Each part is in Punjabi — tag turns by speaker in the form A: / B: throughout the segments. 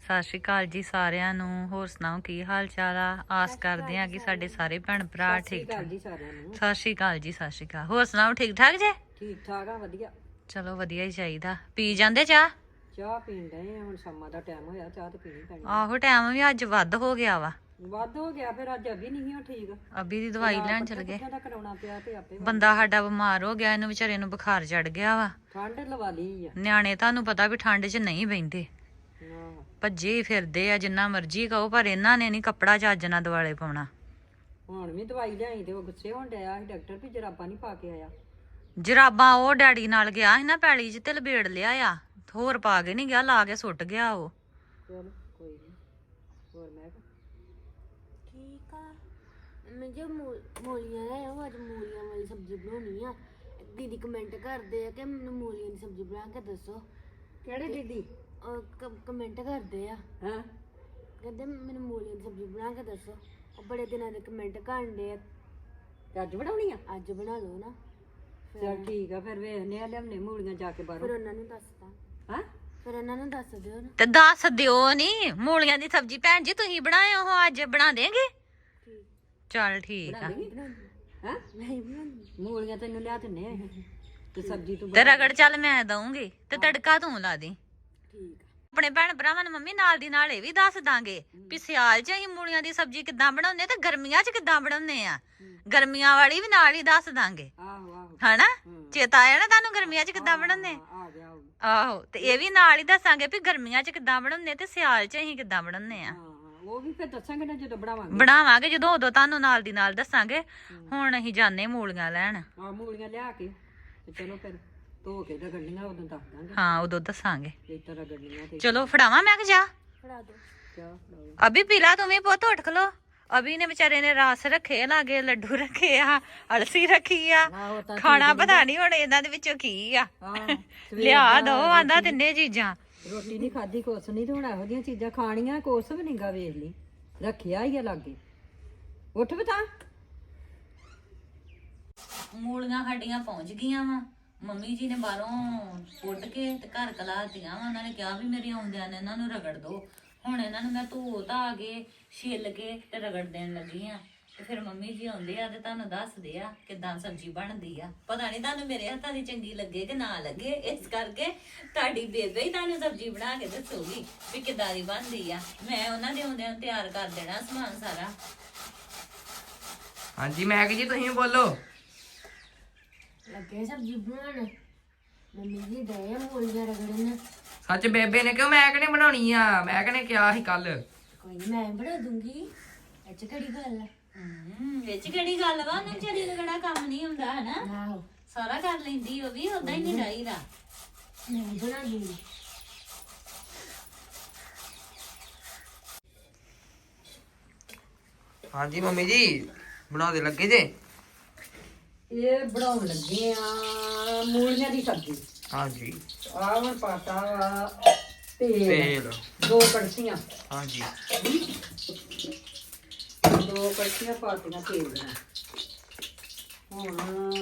A: ਸਤਿ ਸ਼੍ਰੀ ਅਕਾਲ ਜੀ ਸਾਰਿਆਂ ਨੂੰ। ਹੋਰ ਸੁਣਾਓ ਕੀ ਹਾਲ ਚਾਲ ਆ? ਆਸ ਕਰਦੇ ਆ ਕਿ ਸਾਡੇ ਸਾਰੇ ਭੈਣ ਭਰਾ ਠੀਕ ਠਾਕ। ਸਤਿ ਸ਼੍ਰੀ ਅਕਾਲ ਜੀ, ਸਤਿ ਸ਼੍ਰੀ ਅਕਾਲ। ਹੋਰ ਸੁਣਾਓ ਠੀਕ ਠਾਕ ਜੇ?
B: ਠੀਕ ਠਾਕ ਆ, ਵਧੀਆ।
A: ਚਲੋ ਵਧੀਆ ਹੀ ਚਾਹੀਦਾ। ਪੀ ਜਾਂਦੇ ਚਾਹ?
B: ਚਾਹ ਪੀਣ ਡਏ ਆ, ਹੁਣ ਸ਼ਾਮਾਂ ਦਾ ਟਾਈਮ ਹੋਇਆ, ਚਾਹ ਤੇ ਪੀਣੀ ਪੈਣੀ।
A: ਆਹੋ ਟਾਈਮ ਵੀ ਅੱਜ ਵੱਧ ਹੋ ਗਿਆ ਵਾ।
B: ਵੱਧ ਹੋ ਗਿਆ, ਫਿਰ ਅੱਜ ਅਭੀ ਨਹੀਂ ਸੀ ਠੀਕ।
A: ਅਭੀ ਦੀ ਦਵਾਈ ਲੈਣ ਚਲ ਗਏ।
B: ਦਾ ਕਰਾਉਣਾ ਪਿਆ ਤੇ ਆਪੇ
A: ਬੰਦਾ ਸਾਡਾ ਬਿਮਾਰ ਹੋ ਗਿਆ, ਇਹਨੂੰ ਵਿਚਾਰੇ ਨੂੰ ਬੁਖਾਰ ਚੜ ਗਿਆ ਵਾ।
B: ਠੰਡ ਲਵਾ ਲਈ ਆ।
A: ਨਿਆਣੇ ਤੁਹਾਨੂੰ ਪਤਾ ਵੀ ਠੰਡ 'ਚ ਨਹੀਂ ਬਹਿੰਦੇ, ਭੱਜੇ ਫਿਰਦੇ ਆ ਜਿੰਨਾ ਮਰਜ਼ੀ ਕਹੋ, ਪਰ ਇਹਨਾਂ ਨੇ ਨਹੀਂ ਕੱਪੜਾ ਚੱਜ ਨਾਲ ਦੁਆਲੇ ਪਾਉਣਾ।
B: ਹੁਣ ਵੀ ਦਵਾਈ ਲਿਆਈ ਤੇ ਉਹ ਗੁੱਸੇ ਹੋਣ ਡਿਆ ਸੀ ਡਾਕਟਰ ਵੀ ਜਰਾਬਾਂ ਨਹੀਂ ਪਾ ਕੇ ਆਇਆ।
A: ਜਰਾਬਾਂ ਉਹ ਡੈਡੀ ਨਾਲ ਗਿਆ ਸੀ ਨਾ ਪੈਲੀ 'ਚ ਤੇ ਲਬੇੜ ਲਿਆ ਆ, ਹੋਰ ਪਾ ਕੇ ਨਹੀਂ ਗਿਆ, ਲਾ ਕੇ ਸੁੱਟ ਗਿਆ ਉਹ।
B: ਚਲ ਕੋਈ ਨਹੀਂ। ਹੋਰ ਮੈਂ
C: ਠੀਕ ਆ। ਮੈਂ ਜੋ ਮੂਲੀਆਂ ਲੈ ਆਓ, ਅੱਜ ਮੂਲੀਆਂ ਵਾਲੀ ਸਬਜ਼ੀ ਬਣਾਉਣੀ ਆ। ਦੀਦੀ ਕਮੈਂਟ ਕਰਦੇ ਆ ਕਿ ਮੈਨੂੰ ਮੂਲੀਆਂ ਦੀ ਸਬਜ਼ੀ ਬਣਾ ਕੇ ਦੱਸੋ।
B: ਕਿਹੜੇ ਦੀਦੀ?
C: ਕਮੈਂਟ ਕਰਦੇ ਆ,
B: ਹਾਂ
C: ਕਹਿੰਦੇ ਮੈਨੂੰ ਮੂਲੀਆਂ ਦੀ ਸਬਜ਼ੀ ਬਣਾ ਕੇ ਦੱਸੋ। ਉਹ ਬੜੇ ਦਿਨਾਂ ਦੇ ਕਮੈਂਟ ਕਰਦੇ ਆ।
B: ਤੇ ਅੱਜ ਬਣਾਉਣੀ ਆ?
C: ਅੱਜ ਬਣਾ ਲਓ ਨਾ।
B: ਚਲ ਠੀਕ ਆ, ਫਿਰ ਵੇਖਨੇ ਆ, ਲਿਆਉਣੇ ਮੂਲੀਆਂ ਜਾ ਕੇ
C: ਫਿਰ
B: ਬਾਹਰੋਂ।
C: ਉਹਨਾਂ ਨੂੰ ਦੱਸਦਾ।
B: ਹਾਂ
C: ਫਿਰ ਉਹਨਾਂ ਨੂੰ ਦੱਸ ਦਿਓ ਨਾ।
A: ਤੇ ਦੱਸ ਦਿਓ ਨੀ, ਮੂਲੀਆਂ ਦੀ ਸਬਜ਼ੀ ਭੈਣ ਜੀ ਤੁਸੀਂ ਬਣਾਏ ਹੋ, ਅੱਜ ਬਣਾ ਦੇਂਗੇ?
C: ਠੀਕ।
A: ਚੱਲ ਠੀਕ ਆ।
B: ਹਾਂ
C: ਨਹੀਂ ਬਣਾਉਂਦੀ।
B: ਮੂਲੀਆਂ ਤੈਨੂੰ ਲਿਆ ਦਿੰਨੇ ਆ ਤੇ ਸਬਜ਼ੀ ਤੂੰ
A: ਤੇ ਰਗੜ ਚੱਲ ਮੈਂ ਦਊਂਗੀ ਤੇ ਤੜਕਾ ਤੂੰ ਲਾ ਦੀ।
C: ਠੀਕ ਆ।
A: ਆਪਣੇ ਭੈਣ ਭਰਾਵਾਂ ਨੂੰ ਮੰਮੀ ਨਾਲ ਦੀ ਨਾਲ ਇਹ ਵੀ ਦੱਸ ਦਾਂਗੇ ਵੀ ਸਿਆਲ 'ਚ ਅਸੀਂ ਮੂਲੀਆਂ ਦੀ ਸਬਜ਼ੀ ਕਿੱਦਾਂ ਬਣਾਉਂਦੇ ਤੇ ਗਰਮੀਆਂ 'ਚ ਕਿੱਦਾਂ ਬਣਾਉਂਦੇ ਆ। ਗਰਮੀਆਂ ਵਾਲੀ ਵੀ ਨਾਲ ਹੀ ਦੱਸ ਦਾਂਗੇ,
B: ਆਹੋ ਆਹੋ
A: ਹਨਾ? ਚੇਤਾ ਆਇਆ ਨਾ ਤੁਹਾਨੂੰ ਗਰਮੀਆਂ 'ਚ ਕਿੱਦਾਂ ਬਣਾਉਂਦੇ?
B: ਆ ਗਿਆ ਉਹ।
A: ਆਹੋ, ਤੇ ਇਹ ਵੀ ਨਾਲ ਹੀ ਦੱਸਾਂਗੇ ਵੀ ਗਰਮੀਆਂ 'ਚ ਕਿੱਦਾਂ ਬਣਾਉਂਦੇ ਤੇ ਸਿਆਲ 'ਚ ਅਸੀਂ ਕਿੱਦਾਂ ਬਣਾਉਂਦੇ ਆ।
B: ਹਾਂ ਉਹ ਵੀ ਫਿਰ ਦੱਸਾਂਗੇ ਨਾ ਜਦੋਂ ਬਣਾਵਾਂਗੇ।
A: ਬਣਾਵਾਂਗੇ ਜਦੋਂ, ਉਦੋਂ ਤੁਹਾਨੂੰ ਨਾਲ ਦੀ ਨਾਲ ਦੱਸਾਂਗੇ। ਹੁਣ ਅਸੀਂ ਜਾਣੇ ਮੂਲੀਆਂ ਲੈਣ।
B: ਆ ਮੂਲੀਆਂ ਲਿਆ ਕੇ ਤੇ ਚਲੋ ਫਿਰ ਧੋ ਕੇ ਰਗੜਨੀਆਂ, ਉਦੋਂ ਦੱਸ ਦਾਂਗੇ।
A: ਹਾਂ ਉਦੋਂ ਦੱਸਾਂਗੇ।
B: ਇਸ ਤਰ੍ਹਾਂ ਰਗੜਨੀਆਂ ਤੇ
A: ਚਲੋ ਫੜਾਵਾਂ ਮੈਂ ਕਿ ਜਾ?
C: ਫੜਾ ਦਿਓ।
B: ਚਾਹ
A: ਅਭੀ ਪੀਲਾ ਤੂੰ ਵੀ ਪੁੱਤ, ਉੱਠ ਖਲੋ। ਅਭੀ ਨੇ ਵਿਚਾਰੇ ਨੇ ਰਸ ਰੱਖੇ, ਲਾਗੇ ਲੱਡੂ ਰੱਖੇ ਆ, ਅਲਸੀ ਰੱਖੀ ਆ।
B: ਆਹੋ ਤਾਂ
A: ਖਾਣਾ ਪਤਾ ਨਹੀਂ ਹੁਣ ਇਹਨਾਂ ਦੇ ਵਿੱਚੋਂ ਕੀ ਆ।
B: ਹਾਂ
A: ਲਿਆ ਦੋ ਆਂਦਾ ਤਿੰਨੇ ਚੀਜ਼ਾਂ।
B: ਰੋਟੀ ਨਹੀਂ ਖਾਧੀ ਕੁਛ ਨਹੀਂ, ਤੇ ਹੁਣ ਇਹੋ ਜਿਹੀਆਂ ਚੀਜ਼ਾਂ ਖਾਣੀਆਂ, ਕੁਛ ਵੀ ਨਹੀਂਗਾ। ਵੇਖ ਲਈ ਰੱਖਿਆ ਹੀ ਆ ਲਾਗੇ। ਉੱਠ ਬਤਾ।
A: ਮੂਲੀਆਂ ਸਾਡੀਆਂ ਪਹੁੰਚ ਗਈਆਂ ਵਾ। ਮੰਮੀ ਜੀ ਨੇ ਬਾਹਰੋਂ ਪੁੱਟ ਕੇ ਤੇ ਘਰ ਕਲਾਤੀਆਂ ਵਾ। ਉਹਨਾਂ ਨੇ ਕਿਹਾ ਵੀ ਮੇਰੇ ਆਉਂਦਿਆਂ ਨੇ ਇਹਨਾਂ ਨੂੰ ਰਗੜ ਦੋ। ਹੁਣ ਇਹਨਾਂ ਨੂੰ ਮੈਂ ਧੋ ਧਾ ਕੇ ਛਿੱਲ ਕੇ ਤੇ ਰਗੜ ਦੇਣ ਲੱਗੀ ਆ। ਤੇ ਫਿਰ ਮੰਮੀ ਜੀ ਆਉਂਦੇ ਆ ਤੇ ਤੁਹਾਨੂੰ ਦੱਸਦੇ ਆ ਕਿੱਦਾਂ ਸਬਜ਼ੀ ਬਣਦੀ ਆ। ਪਤਾ ਨਹੀਂ ਤੁਹਾਨੂੰ ਮੇਰੇ ਹੱਥਾਂ ਦੀ ਚੰਗੀ ਲੱਗੇ ਕਿ ਨਾ ਲੱਗੇ, ਇਸ ਕਰਕੇ ਤੁਹਾਡੀ ਬੇਬੇ ਹੀ ਤੁਹਾਨੂੰ ਸਬਜ਼ੀ ਬਣਾ ਕੇ ਦੱਸੂਗੀ ਵੀ ਕਿੱਦਾਂ ਦੀ ਬਣਦੀ ਆ। ਮੈਂ ਉਹਨਾਂ ਦੇ ਆਉਂਦਿਆਂ ਨੂੰ ਤਿਆਰ ਕਰ ਦੇਣਾ ਸਮਾਨ ਸਾਰਾ।
D: ਹਾਂਜੀ ਮੈਂ ਜੀ, ਤੁਸੀਂ ਬੋਲੋ।
C: ਲੱਗੇ ਸਬਜ਼ੀ ਬਣਾਉਣ। ਮੰਮੀ ਜੀ ਦੇ ਮੂਲੀਆਂ ਰਗੜਨ।
D: ਸੱਚ ਬੇਬੇ ਨੇ ਕਿਹਾ ਮੈਂ ਕਿਹਨੇ ਬਣਾਉਣੀ ਆ, ਮੈਂ ਕਿਹਨੇ ਕਿਹਾ ਸੀ ਕੱਲ।
C: ਕੋਈ ਨਹੀਂ, ਮੈਂ ਬਣਾ ਦੂੰਗੀ। ਇਹ 'ਚ ਕਿਹੜੀ ਗੱਲ ਆ?
A: ਵਿੱਚ ਕਿਹੜੀ ਗੱਲ ਵਾ? ਉਹਨਾਂ ਵਿਚਾਰੀ ਨੂੰ ਕਿਹੜਾ ਕੰਮ ਨਹੀਂ ਹੁੰਦਾ ਹਨਾ?
C: ਆਹੋ
A: ਸਾਰਾ ਕਰ ਲੈਂਦੀ ਉਹ ਵੀ, ਉਦਾਂ ਹੀ ਨਹੀਂ ਡਾਈਦਾ।
C: ਮੈਂ ਬਣਾ ਦੂੰਗੀ।
D: ਹਾਂਜੀ ਮੰਮੀ ਜੀ ਬਣਾਉਦੇ ਲੱਗੇ ਜੇ?
B: ਇਹ ਬਣਾਉਣ ਲੱਗੇ ਆ ਮੂਲੀਆਂ ਦੀ ਸਬਜ਼ੀ।
D: ਹਾਂਜੀ
B: ਆਹ ਹੁਣ ਪਾਤਾ ਵਾ ਤੇਲ,
D: ਤੇਲ
B: 2 ਕੜਛੀਆਂ।
D: ਹਾਂਜੀ
B: 2 ਕੜਛੀਆਂ ਪਾਤੀਆਂ ਤੇਲ ਦੀਆਂ। ਹੁਣ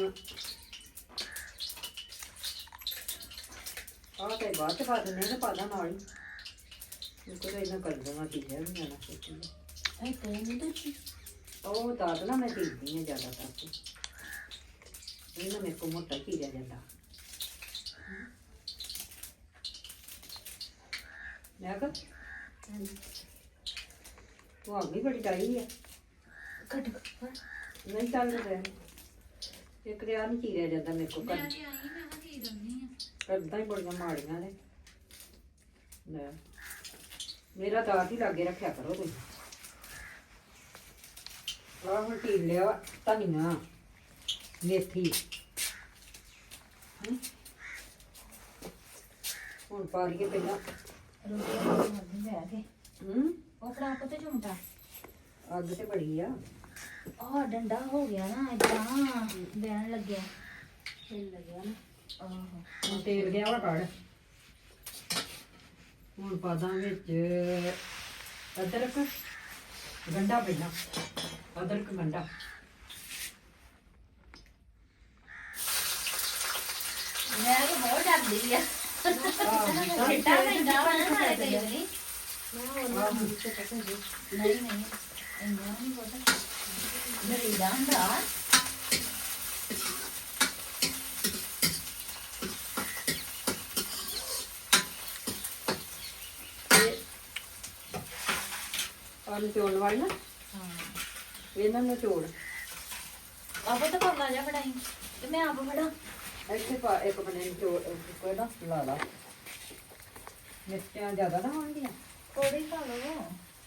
B: ਆਹ ਤੇ ਬਾਅਦ ਚ ਪਾ ਦਿੰਦੇ ਨੇ, ਪਾਦਾ ਨਾਲ ਹੀ। ਕੋਈ ਇਹਨਾਂ ਕਰ ਦੇਣਾ ਚੀਜ਼ਾਂ ਵੀ ਨਾ ਸੋਚੀ।
C: ਇਹ ਕਹਿੰਦੇ ਤੁਸੀਂ
B: ਉਹ ਦਾਦ ਨਾ ਮੈਂ ਦੇਖਦੀ ਹਾਂ ਜ਼ਿਆਦਾ ਕਰਕੇ, ਇਹਨਾਂ ਮੇਰੇ ਕੋਲ ਮੋਟਾ ਚੀਰਿਆ ਜਾਂਦਾ। ਮੈਂ ਕਿਹਾ ਤੂੰ ਆ ਗਈ, ਬੜੀ ਟਾਈ ਆ।
C: ਕੱਟ
B: ਨਹੀਂ ਚੱਲ ਰਿਹਾ, ਇੱਕ ਰਿਆ ਨਹੀਂ ਚੀਰਿਆ ਜਾਂਦਾ ਮੇਰੇ ਕੋਲ। ਕਰਦਾ ਹੀ ਬੜੀਆਂ ਮਾੜੀਆਂ ਨੇ। ਲੈ ਮੇਰਾ ਦਾਤ ਹੀ ਲਾਗੇ ਰੱਖਿਆ ਕਰੋ ਤੁਸੀਂ। ਆਹ ਹੁਣ ਟੀਲ ਲਿਆ ਧਨੀਆ, ਮੇਥੀ। ਹੁਣ ਪਾ ਲਈਏ ਪਹਿਲਾਂ।
C: ਉਹ ਫੜਾ ਕੋ ਤੇ ਝੁੰਮਟਾ।
B: ਅੱਗ ਤੇ ਬੜੀ ਆ।
C: ਆਹ ਡੰਡਾ ਹੋ ਗਿਆ ਨਾ, ਇਦਾਂ ਬੈਣ ਲੱਗਿਆ, ਹਿੱਲ ਲੱਗਿਆ ਨਾ। ਆਹੋ
B: ਹੁਣ ਤੇਲ ਗਿਆ ਵਾ ਕੱਢ। ਹੁਣ ਪਾ ਦਾਂ ਵਿੱਚ ਅਦਰਕ ਗੰਢਾ, ਪਹਿਲਾਂ ਅਦਰਕ ਗੰਢਾ।
A: ਮੈਂ ਤਾਂ ਬਹੁਤ ਡਰਦੀ ਆ।
B: ਆਹ
A: ਛਿੱਟਾ ਪੈਂਦਾ ਵਾ ਨਾ ਨਾਲੇ ਕਈ ਵਾਰੀ। ਨਹੀਂ ਨਹੀਂ ਇੰਨਾ ਨਹੀਂ ਪਤਾ ਮੇਰੀ ਦਾ ਹੁੰਦਾ
B: ਆਲੂ ਚੋਣ ਵਾਲੀ ਨਾ
A: ਹਾਂ
B: ਇਹਨਾਂ ਨੂੰ ਚੋੜ
A: ਆਪੋ ਤਾਂ ਪੱਲਾ ਜਾ ਬਣਾਈ ਤੇ ਮੈਂ ਆਪ ਬਣਾ
B: ਇੱਥੇ ਪਾ ਇੱਕ ਬਣੇ ਨੂੰ ਚੋੜ ਕੋਈ ਨਾ ਲਾ ਲਾ ਮਿਰਚਾਂ ਜ਼ਿਆਦਾ ਨਾ ਹੋਣਗੀਆਂ
A: ਥੋੜੀ ਪਾ ਲਓ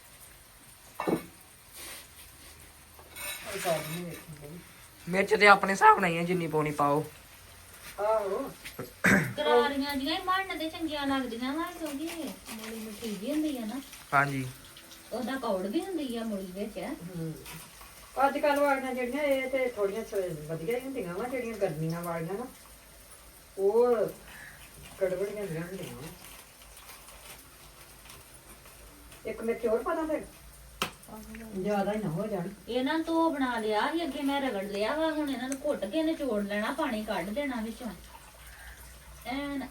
B: ਉਹ ਪਾ ਨਹੀਂ ਵੇਖੀ
D: ਮਿਰਚ ਤੇ ਆਪਣੇ ਹਿਸਾਬ ਨਾਲ ਹੀ ਆ, ਜਿੰਨੀ ਪਾਉਣੀ ਪਾਓ।
B: ਆਹੋ
A: ਕਰਾਰੀਆਂ ਜੀਆਂ ਮਰਨ ਤੇ ਚੰਗੀਆਂ ਲੱਗਦੀਆਂ ਵਾ ਕਿਉਂਕਿ ਮੂਲੀ ਮਿੱਠੀ ਜੀ ਹੁੰਦੀ ਆ ਨਾ
D: ਹਾਂਜੀ
A: ਉਹਦਾ ਕੌੜ ਵੀ ਹੁੰਦੀ ਆ ਮੂਲੀ ਵਿੱਚ
B: ਅੱਜ ਕੱਲ ਵਾਲੀਆਂ ਜਿਹੜੀਆਂ ਇਹ ਤੇ ਥੋੜੀਆਂ ਵਧੀਆ ਹੀ ਹੁੰਦੀਆਂ ਵਾ ਜਿਹੜੀਆਂ ਗਰਮੀਆਂ ਵਾਲੀਆਂ ਨਾ ਉਹ ਕੜਵੜੀਆਂ ਜਿਹੀਆਂ ਹੁੰਦੀਆਂ ਵਾ ਇੱਕ ਮਿਰਚ ਹੋਰ ਪਾ ਦਾਂ ਫਿਰ ਜ਼ਿਆਦਾ ਹੀ ਨਾ ਹੋ ਜਾਣ
A: ਇਹਨਾਂ ਤੋਂ ਬਣਾ ਲਿਆ ਸੀ ਅੱਗੇ ਮੈਂ ਰਗੜ ਲਿਆ ਵਾ ਹੁਣ ਇਹਨਾਂ ਨੂੰ ਘੁੱਟ ਕੇ ਨਿਚੋੜ ਲੈਣਾ ਪਾਣੀ ਕੱਢ ਦੇਣਾ ਵਿੱਚੋਂ ਐਨ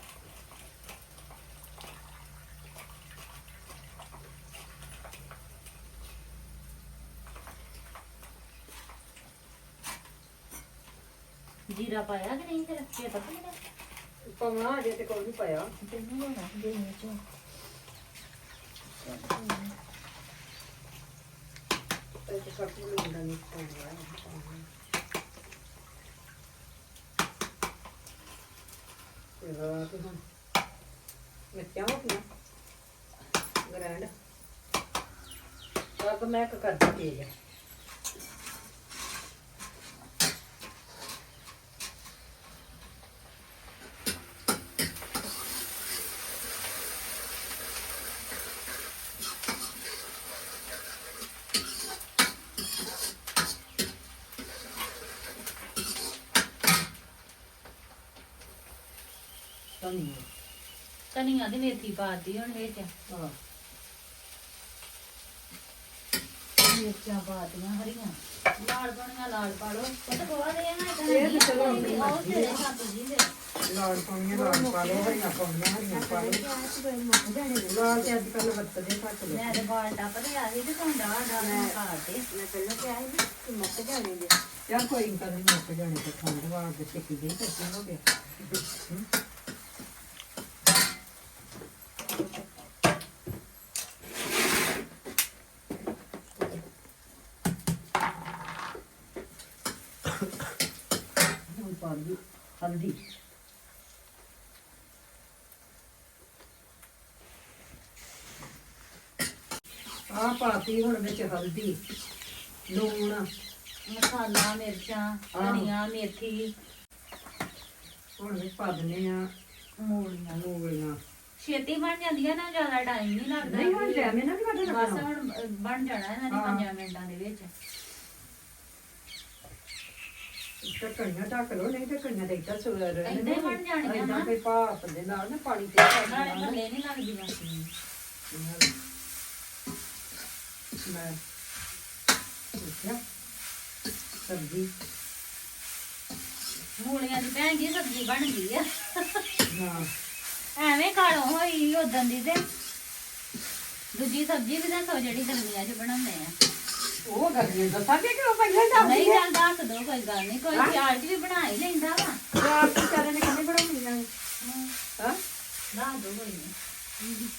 A: ਜੀਰਾ ਪਾਇਆ ਕਿ ਨਹੀਂ ਫਿਰ ਕੀ ਪਤਾ ਨਹੀਂ
B: ਪਾਉਣਾ ਅਜੇ ਤੇ ਕੋਈ ਨਹੀਂ ਪਾਇਆ
A: ਤੈਨੂੰ ਲੋਣਾ ਦੇ ਵਿੱਚੋਂ
B: ਇਹ ਤੇ ਸਭ ਨੂੰ ਲੈਂਦਾ ਨਹੀਂ ਪਾਉਣਾ ਇਹ ਤੇ ਹੁਣ ਮਿਰਚਾਂ ਹੋ ਗਈਆਂ ਗ੍ਰੈਂਡ अब मैं करती तेज
A: ਧਨੀਆ ਦੀ ਮੇਥੀ ਪਾਤੀ ਹੁਣ ਵਿੱਚ
B: हाँ
A: ਮਿਰਚਾਂ ਪਾਤੀਆਂ ਹਰੀਆਂ ਲਾਲ ਬਣੀਆਂ ਲਾਲ ਪਾ ਲਓ ਪਤਾ ਪਵਾ ਦੇ ਨਾ
B: ਇਹ ਤਾਂ ਚਲੋ
A: ਆਓ ਤੇਰੇ ਹੱਥ ਜੀ ਦੇ
B: लाल पाउनियां लाल पा लो हरियां पाउनियां हरियां पा लो लाल ते अजकल वरतदे घट लो
A: ਮੈਂ ਤੇ ਬਾਲ ਟੱਪਦੇ ਆ ਸੀ ਤੇ ਤੁਹਾਡਾ ਮੈਂ ਪਾਤੇ
C: ਮੈਂ ਪਹਿਲਾਂ ਕਿਹਾ ਸੀ ਨਾ ਕਿ ਮੁੱਕ ਜਾਣੇ ਦੇ
B: यार कोई इनका नहीं मुक जाने तो ठंड वार दे टिकी गई तो क्यों हो गया हल्दी आ पाती हुण विच हल्दी लूण
A: ਮਸਾਲਾ ਮਿਰਚਾਂ ਧਨੀਆ ਮੇਥੀ
B: ਹੁਣ ਵਿੱਚ ਪਾ ਦਿੰਦੇ ਆ
A: ਮੂਲੀਆਂ
B: ਮੂਲੀਆਂ
A: ਛੇਤੀ ਬਣ ਜਾਂਦੀਆਂ ਨਾ ਜ਼ਿਆਦਾ ਟਾਈਮ ਨਹੀਂ ਲੱਗਦਾ
B: ਨਹੀਂ ਹੁਣ ਟਾਈਮ ਇਹਨਾਂ ਦੀ
A: ਬਸ
B: ਵੱਧ
A: ਹੁਣ ਬਣ ਜਾਣਾ ਇਹਨਾਂ ਦੇ 5 ਮਿੰਟਾਂ ਦੇ ਵਿੱਚ
B: ਢੱਕਣੀਆਂ ਢੱਕ ਲਓ ਨਹੀਂ ਢੱਕਣੀਆਂ ਤੇ ਇੱਦਾਂ ਸੁਰ
A: ਏਦਾਂ ਹੀ ਬਣ ਜਾਣੀਆਂ
B: ਏਦਾਂ
A: ਨਾ।
B: ਕੋਈ ਭਾਪ ਦੇ ਨਾਲ ਨਾ ਪਾਣੀ ਤੇ ਪਾ
A: ਨਾਲੇ
B: ਦੇਣਾ
A: ਥੱਲੇ ਨਹੀਂ ਲੱਗਦੀਆਂ
B: ਮੈਂ ਦੇਖਿਆ ਸਬਜ਼ੀ
A: ਮੂਲੀਆਂ ਦੀ ਭੈਣ ਜੀ ਸਬਜ਼ੀ ਬਣ ਗਈ ਆ
B: ਹਾਂ
A: ਐਵੇਂ ਕਾਲੋ ਹੋਈ ਉਦੋਂ ਦੀ ਤੇ ਦੂਜੀ ਸਬਜ਼ੀ ਵੀ ਦੱਸੋ ਜਿਹੜੀ ਗਰਮੀਆਂ 'ਚ ਬਣਾਉਂਦੇ ਆ
B: ਉਹ ਗਰਮੀ ਦਾ ਸਾਬੇ ਕਿ ਉਹ ਪਹਿਲਾਂ ਹੀ ਦੱਸ
A: ਨਹੀਂ ਚੱਲ ਦੱਸ ਦੋ ਕੋਈ ਗੱਲ ਨਹੀਂ ਕੋਈ ਸਿਆਲ 'ਚ ਵੀ ਬਣਾ ਹੀ ਲੈਂਦਾ ਵਾ
B: ਰਾਤ ਨੂੰ ਚਾਰੇ ਨੇ ਕਿੰਨੇ ਬਣਾਉਣੀਆਂ ਹਾਂ
A: ਦੱਸ ਦੋ ਕੋਈ ਨਹੀਂ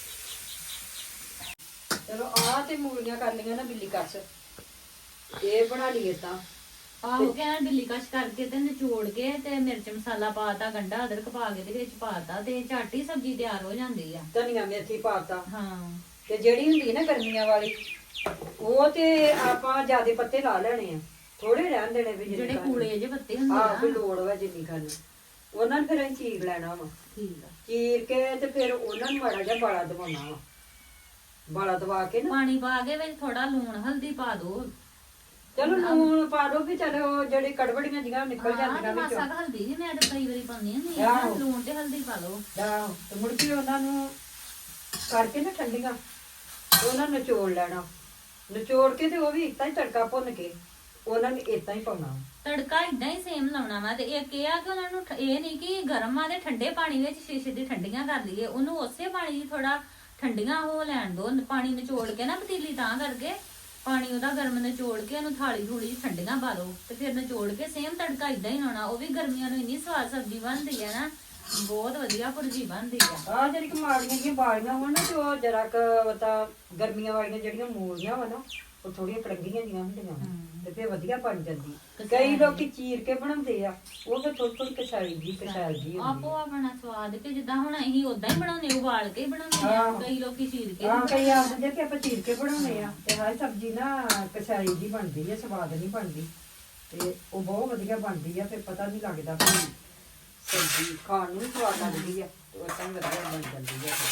B: ਚਲੋ ਆ ਤੇ ਮੂਲੀਆਂ ਕਰ ਲਈਆਂ ਨਾ ਬਿੱਲੀ ਕੱਸ ਇਹ ਬਣਾ ਲਈਏ ਤਾਂ
A: ਆਹੋ ਕਹਿੰਦਾ ਬਿੱਲੀ ਕਸ਼ ਕਰਕੇ ਤੇ ਨਿਚੋੜ ਕੇ ਤੇ ਮਿਰਚ ਮਸਾਲਾ ਪਾਤਾ ਗੰਢਾ ਅਦਰਕ ਪਾ ਕੇ ਤੇ ਵਿੱਚ ਪਾਤਾ ਤੇ ਝੱਟ ਹੀ ਸਬਜ਼ੀ ਤਿਆਰ ਹੋ ਜਾਂਦੀ ਆ
B: ਧਨੀਆ ਮੇਥੀ ਪਾਤਾ
A: ਹਾਂ
B: ਤੇ ਜਿਹੜੀ ਹੁੰਦੀ ਨਾ ਗਰਮੀਆਂ ਵਾਲੀ ਉਹ ਤੇ ਆਪਾਂ ਜਿਆਦੇ ਪੱਤੇ ਲਾ ਲੈਣੇ ਆ ਥੋੜੇ ਰਹਿਣ ਦੇਣੇ ਵੀ
A: ਜਿਹੜੇ
B: ਖਾਣੇ।
A: ਕੂਲੇ ਜਿਹੇ ਪੱਤੇ ਹੁੰਦੇ
B: ਆਹ ਕੋਈ
A: ਆ
B: ਲੋੜ ਵਾ ਜਿੰਨੀ ਖਾਣੀ ਉਹਨਾਂ ਨੂੰ ਫਿਰ ਅਸੀਂ ਚੀਰ ਲੈਣਾ ਵਾ
A: ਠੀਕ ਆ
B: ਚੀਰ ਕੇ ਤੇ ਫਿਰ ਉਹਨਾਂ ਨੂੰ ਮਾੜਾ ਜਿਹਾ ਬਾਲਾ ਦਵਾਉਣਾ ਵਾ ਬਾਲਾ ਦਵਾ ਕੇ ਨਾ
A: ਪਾਣੀ ਪਾ ਕੇ ਵਿੱਚ ਥੋੜਾ ਲੂਣ ਹਲਦੀ ਪਾ ਦੋ
B: ਚਲੋ ਲੂਣ ਪਾ ਦੋ ਵੀ ਚਲੋ ਜਿਹੜੀ ਕੜਵੜੀਆਂ ਜਿਹੀਆਂ ਨਿਕਲ ਜਾਂਦੀਆਂ ਵਿੱਚੋਂ
A: ਮਾਸਾ ਕੁ ਹਲਦੀ ਵੀ ਮੈਂ ਤਾਂ ਕਈ ਵਾਰੀ ਪਾਉਂਦੀ ਹੁੰਦੀ ਆ
B: ਆਹੋ।
A: ਲੂਣ ਤੇ ਹਲਦੀ ਪਾ ਲਓ
B: ਆਹੋ, ਤੇ ਮੁੜ ਕੇ ਉਹਨਾਂ ਨੂੰ ਕਰਕੇ ਨਾ ਠੰਡੀਆਂ ਤੇ ਉਹਨਾਂ ਨੂੰ ਨਿਚੋੜ ਲੈਣਾ ਨਿਚੋੜ ਕੇ ਤੇ ਉਹ ਵੀ ਇਤਾਂ ਹੀ ਤੜਕਾ ਭੁੰਨ ਕੇ ਉਹਨਾਂ ਨੂੰ ਇਤਾਂ ਹੀ ਪਾਉਣਾ
A: ਤੜਕਾ ਇਦਾਂ ਹੀ ਸੇਮ ਲਾਉਣਾ ਵਾ ਤੇ ਇੱਕ ਇਹ ਆ ਕਿ ਉਹਨਾਂ ਨੂੰ ਇਹ ਨਹੀਂ ਕਿ ਗਰਮ ਆ ਤੇ ਠੰਡੇ ਪਾਣੀ ਵਿੱਚ ਸ਼ੀਸ਼ੇ ਦੀ ਠੰਡੀਆਂ ਕਰ ਲਈਏ ਉਹਨੂੰ ਉਸੇ ਪਾਣੀ 'ਚ ਥੋੜਾ ਠੰਡੀਆਂ ਹੋ ਲੈਣ ਦੋ, ਪਾਣੀ ਨਿਚੋੜ ਕੇ ਨਾ ਪਤੀਲੀ ਤਾਂ ਕਰਕੇ ਪਾਣੀ ਉਹਦਾ ਗਰਮ ਨਿਚੋੜ ਕੇ ਉਹਨੂੰ ਥਾਲੀ ਥੋੜੀ ਜਿਹੀ ਠੰਡੀਆਂ ਪਾ ਲਓ ਤੇ ਫਿਰ ਨਿਚੋੜ ਕੇ ਸੇਮ ਤੜਕਾ ਇਦਾਂ ਹੀ ਲਾਉਣਾ। ਉਹ ਵੀ ਗਰਮੀਆਂ ਨੂੰ ਇੰਨੀ ਸਵਾਦ ਸਬਜ਼ੀ ਬਣਦੀ ਹੈ ਨਾ, ਬਹੁਤ ਵਧੀਆ ਭੁਰਜੀ ਬਣਦੀ ਆ।
B: ਆ ਜਿਹੜੀ ਕਮਾੜੀਆਂ ਦੀਆਂ ਬਾਲੀਆਂ ਹੋਣ ਨਾ ਤੇ ਉਹ ਜਰਾ ਕ ਤਾਂ ਗਰਮੀਆਂ ਵਾਲੀਆਂ ਜਿਹੜੀਆਂ ਮੂਲੀਆਂ ਵਾ ਨਾ ਉਹ ਥੋੜੀਆਂ ਕੜੰਗੀਆਂ ਜੀਆਂ ਹੁੰਦੀਆਂ ਤੇ ਫੇਰ ਵਧੀਆ ਬਣ ਜਾਂਦੀ। ਕਈ ਲੋਕੀ ਚੀਰ ਕੇ ਬਣਾਉਂਦੇ ਆ, ਉਹ ਫਿਰ ਥੋੜੀ ਥੋੜੀ ਕਸਾਈ ਜੀ ਹੁੰਦੀ
A: ਆਪੋ ਆਪਣਾ ਸਵਾਦ ਕਿ ਜਿੱਦਾਂ ਹੁਣ ਅਸੀਂ ਉਦਾਂ ਹੀ ਬਣਾਉਂਦੇ, ਉਬਾਲ ਕੇ ਹੀ ਬਣਾਉਂਦੇ ਆ, ਕਈ ਲੋਕੀ ਚੀਰ ਕੇ।
B: ਹਾਂ ਕਈ ਆਖਦੇ ਕਿ ਆਪਾਂ ਚੀਰ ਕੇ ਬਣਾਉਂਦੇ ਆ ਤੇ ਹਾਏ ਸਬਜ਼ੀ ਨਾ ਕਸਾਈ ਜੀ ਬਣਦੀ ਹੈ, ਸਵਾਦ ਨਹੀਂ ਬਣਦੀ ਤੇ ਉਹ ਬਹੁਤ ਵਧੀਆ ਬਣਦੀ ਆ। ਫਿਰ ਪਤਾ ਨਹੀਂ ਲੱਗਦਾ ਵੀ ਸਬਜ਼ੀ ਖਾਣ ਨੂੰ ਵੀ ਸਵਾਦ ਲੱਗਦੀ ਆ ਤੇ ਉਹ ਤਾਂ ਵਧੀਆ ਬਣ ਜਾਂਦੀ ਆ।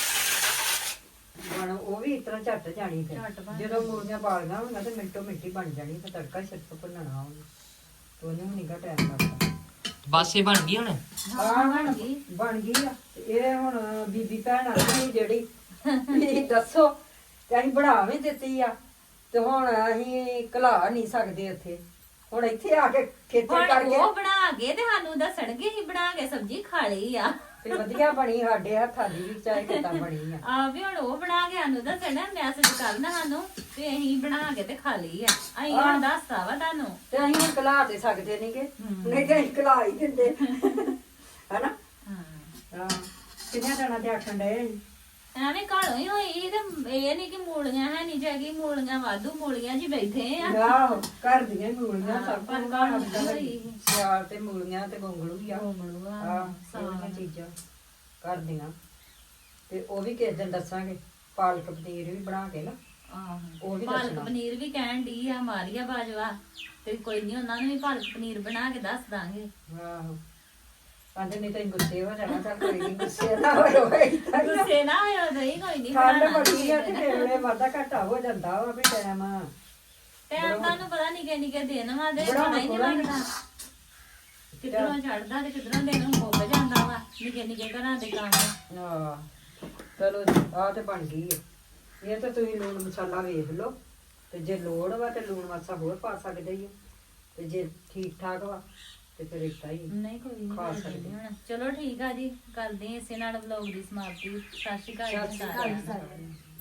B: ਹੁਣ ਉਹ ਵੀ ਇਸ ਤਰ੍ਹਾਂ ਝੱਟ ਜਾਣੀ ਫਿਰ ਜਦੋਂ ਮੂਲੀਆਂ ਬਾਲੀਆਂ ਹੋਣਗੀਆਂ ਤੇ ਮਿੰਟੋ ਮਿੰਟੀ ਬਣ ਜਾਣੀ। ਫਿਰ ਤੜਕਾ ਸਿਰਫ ਭੁੰਨਣਾ ਉਹਨੂੰ ਤੇ ਉਹਨੂੰ ਵੀ ਨਿੱਘਾ ਟਾਈਮ ਲੱਗਦਾ।
D: ਬਸ ਇਹ ਬਣ ਗਈ ਹੁਣ।
B: ਹਾਂ ਬਣ ਗਈ ਆ। ਤੇ ਇਹ ਹੁਣ ਬੀਬੀ ਭੈਣ ਆਈ ਜਿਹੜੀ ਵੀ ਦੱਸੋ ਤੇ ਅਸੀਂ ਬਣਾ ਵੀ ਦਿੱਤੀ ਆ ਤੇ ਹੁਣ ਅਸੀਂ ਘਲਾ ਨਹੀਂ ਸਕਦੇ ਉੱਥੇ। ਹੁਣ ਇੱਥੇ ਆ ਕੇ ਖੇਤਰ
A: ਹੁਣ
B: ਕਰਕੇ
A: ਉਹ ਬਣਾ ਕੇ ਤੇ ਸਾਨੂੰ ਦੱਸਣਗੇ ਹੀ ਬਣਾ ਕੇ ਸਬਜ਼ੀ ਖਾ ਲਈ ਆ
B: ਤੇ ਵਧੀਆ ਬਣੀ ਸਾਡੇ ਹੱਥਾਂ ਦੀ ਵੀ ਚਾਹੇ ਕਿੱਦਾਂ ਬਣੀ ਆ।
A: ਆ ਵੀ ਹੁਣ ਉਹ ਬਣਾ ਕੇ ਸਾਨੂੰ ਦੱਸਣਾ, ਮੈਸੇਜ ਕਰਨਾ ਸਾਨੂੰ ਤੇ ਅਸੀਂ ਬਣਾ ਕੇ ਤੇ ਖਾ ਲਈ ਆ। ਅਸੀਂ ਹੁਣ ਦੱਸਤਾ ਵਾ ਤੁਹਾਨੂੰ
B: ਤੇ ਅਸੀਂ ਹੁਣ ਘਲਾ ਤੇ ਸਕਦੇ ਨਹੀਂਗੇ, ਨਹੀਂ ਤੇ ਅਸੀਂ ਘਲਾ ਹੀ ਦਿੰਦੇ ਹਨਾ। ਹਾਂ ਕਿੰਨੇ ਦਿਨਾਂ ਦੇ ਆਖਣ ਡਏ ਅਸੀਂ।
A: ਐਵੇਂ ਘਰੋਂ ਹੀ ਹੋਈ ਤੇ ਇਹ ਨਹੀਂ ਕਿ ਮੂਲੀਆਂ ਹੈ ਨਹੀਂ ਜਾਗੀ, ਮੂਲੀਆਂ ਵਾਧੂ ਮੂਲੀਆਂ ਜੀ ਬੈਠੇ ਆ।
B: ਆਹੋ ਘਰ ਦੀਆਂ ਹੀ ਮੂਲੀਆਂ ਸਭ
A: ਪਰ
B: ਕੁਝ
A: ਘਰ ਦੀ ਹੋਈ।
B: ਸਿਆਲ ਤੇ ਮੂਲੀਆਂ ਤੇ ਗੋਂਗਲੂ ਵੀ ਆ।
A: ਗੋਂਗਲੂ ਆ,
B: ਹਾਂ ਸਾਰੀਆਂ ਚੀਜ਼ਾਂ ਘਰ ਦੀਆਂ। ਤੇ ਉਹ ਵੀ ਕਿਸੇ ਦਿਨ ਦੱਸਾਂਗੇ, ਪਾਲਕ ਪਨੀਰ ਵੀ ਬਣਾ ਕੇ ਨਾ ਉਹ ਵੀ
A: ਪਾਲਕ
B: ਦੱਸਣਾ।
A: ਪਨੀਰ ਵੀ ਕਹਿਣ ਦੀ ਆ ਮਾਰੀਆ ਬਾਜਵਾ, ਤੇ ਕੋਈ ਨਹੀਂ ਉਹਨਾਂ ਨੂੰ ਵੀ ਪਾਲਕ ਪਨੀਰ ਬਣਾ ਕੇ ਦੱਸ ਦਾਂਗੇ।
B: ਆਹੋ ਕਹਿੰਦੇ ਨਹੀਂ ਤਾਂ ਗੁੱਸੇ ਹੋ ਜਾਣਾ। ਚੱਲ ਕੋਈ ਨਹੀਂ ਗੁੱਸੇ ਨਾ ਹੋਇਓ।
A: ਗੁੱਸੇ ਨਾ ਹੋਇਓ ਨਹੀਂ, ਕੋਈ ਨਹੀਂ
B: ਠੰਡ ਬੜੀ ਆ ਤੇ ਵੇਲੇ ਵਾਧਾ ਘਾਟਾ ਹੋ ਜਾਂਦਾ ਵਾ ਵੀ ਟਾਈਮ
A: ਟਾਈਮ ਤੁਹਾਨੂੰ ਪਤਾ ਨਿੱਕੇ ਨਿੱਕੇ ਦਿਨ ਵਾ ਦੇ ਪਤਾ ਹੀ ਨਹੀਂ ਲੱਗਦਾ ਕਿਧਰੋਂ ਚੜਦਾ ਤੇ ਕਿਧਰੋਂ ਦਿਨ ਮੁੱਕ ਜਾਂਦਾ ਵਾ। ਨਿੱਕੇ ਨਿੱਕੇ ਘਰਾਂ ਦੇ ਕੰਮ।
B: ਹਾਂ ਚਲੋ ਆ ਤੇ ਬਣ ਗਈ ਹੈ। ਇਹ ਤਾਂ ਤੁਸੀਂ ਲੂਣ ਮਸਾਲਾ ਵੇਖ ਲਓ ਤੇ ਜੇ ਲੋੜ ਵਾ ਤੇ ਲੂਣ ਮਾਸਾ ਹੋਰ ਪਾ ਸਕਦੇ ਹੀ ਤੇ ਜੇ ਠੀਕ ਠਾਕ ਵਾ ਤੇ ਫਿਰ ਇਦਾਂ ਹੀ
A: ਨਹੀਂ ਕੋਈ ਨਹੀਂ
B: ਖਾ
A: ਕਰਦੇ
B: ਸਕਦੇ।
A: ਹੁਣ। ਚਲੋ ਠੀਕ ਆ ਜੀ, ਕਰਦੇ ਹਾਂ ਇਸੇ ਨਾਲ ਵਲੌਗ ਦੀ ਸਮਾਪਤੀ। ਸਤਿ ਸ਼੍ਰੀ ਅਕਾਲ ਜੀ ਸਾਰਿਆਂ ਨੂੰ।